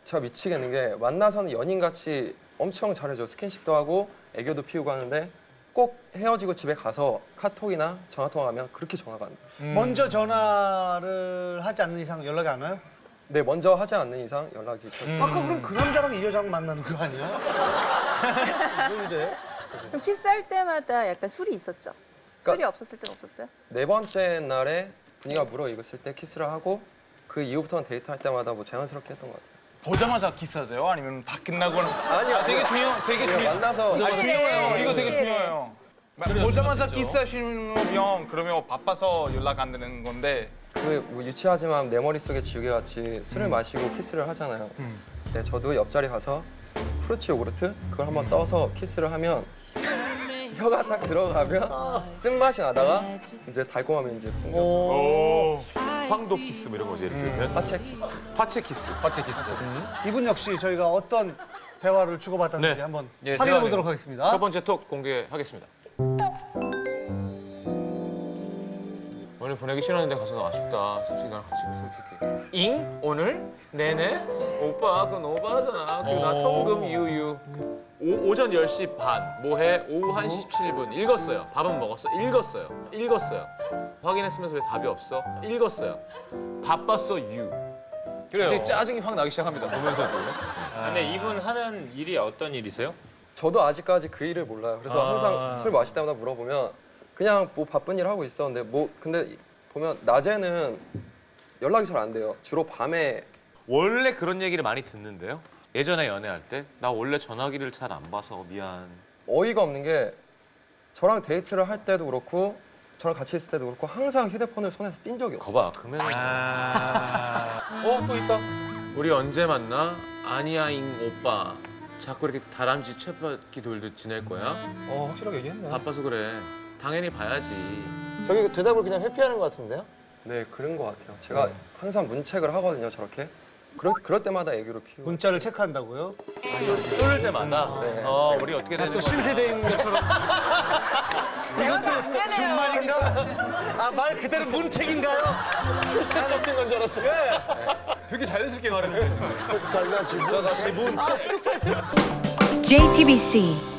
제가 미치겠는 게 만나서는 연인같이 엄청 잘해줘. 스킨십도 하고 애교도 피우고 하는데 꼭 헤어지고 집에 가서 카톡이나 전화통화하면 그렇게 전화가 안 돼요. 먼저 전화를 하지 않는 이상 연락이 안 와요? 네, 먼저 하지 않는 이상 연락이 절대 아까 그럼 그 남자랑 이 여자랑 만나는 거 아니야? 왜 이래? 그럼 키스할 때마다 약간 술이 있었죠? 술이 없었을 때는 없었어요? 네 번째 날에 분위기가 무르익었을 때 키스를 하고 그 이후부터는 데이트할 때마다 뭐 자연스럽게 했던 것 같아요. 보자마자 키스하세요? 아니면 다 끝나고는? 아니요, 되게 우리가 중요. 만나서 아니, 중요해요. 이거 되게 네. 중요해요. 보자마자 키스하시면 그러면 바빠서 연락 안 되는 건데. 그뭐 유치하지만 내 머릿속에 지우개같이 술을 마시고 키스를 하잖아요. 네, 저도 옆자리 가서 프루치 요구르트 그걸 한번 떠서 키스를 하면 혀가 딱 들어가면 쓴맛이 나다가 이제 달콤함이 이제 풍겨서 오. 황도 키스 뭐 이런 거지 이렇게 화채 키스. 파채 키스. 파치 키스. 이분 역시 저희가 어떤 대화를 주고받았는지 네. 한번 예, 확인해 제가 보도록 하겠습니다. 첫 번째 톡 공개하겠습니다. 오늘 보내기 싫었는데 가서 너무 아쉽다. 시간 같이 있어. 잉? 오늘? 네네? 오빠 그건 오바잖아. 그나 통금 유유. 오전 10시 반. 뭐해? 오후 1시 17분. 읽었어요. 밥은 먹었어? 읽었어요. 읽었어요. 확인했으면서 왜 답이 없어? 읽었어요. 바빴어 유. 그래요. 갑자기 짜증이 확 나기 시작합니다. 보면서도. 근데 이분 하는 일이 어떤 일이세요? 저도 아직까지 그 일을 몰라요. 그래서 항상 술 마실 때마다 물어보면 그냥 뭐 바쁜 일 하고 있었는데 뭐 근데 보면 낮에는 연락이 잘 안 돼요. 주로 밤에. 원래 그런 얘기를 많이 듣는데요. 예전에 연애할 때 나 원래 전화기를 잘 안 봐서 미안. 어이가 없는 게 저랑 데이트를 할 때도 그렇고 저랑 같이 있을 때도 그렇고 항상 휴대폰을 손에서 띈 적이 없어요. 거봐 그러면 또 있다. 우리 언제 만나? 아니야잉 오빠. 자꾸 이렇게 다람쥐 쳇바퀴 돌듯 지낼 거야? 확실하게 얘기했네. 바빠서 그래. 당연히 봐야지. 저기 대답을 그냥 회피하는 것 같은데요? 네, 그런 것 같아요. 제가 항상 문책을 하거든요, 저렇게. 그럴 때마다 애교를 피우고. 문자를 체크한다고요? 쏠 때마다 네. 우리 어떻게 되는 또 거야? 신세대인 것처럼. 이것도 준말인가? 아, 말 그대로 문책인가요? 잘못된 건 줄 알았어. 되게 자연스럽게 말했는데. 달라 지금. 다시 문책. JTBC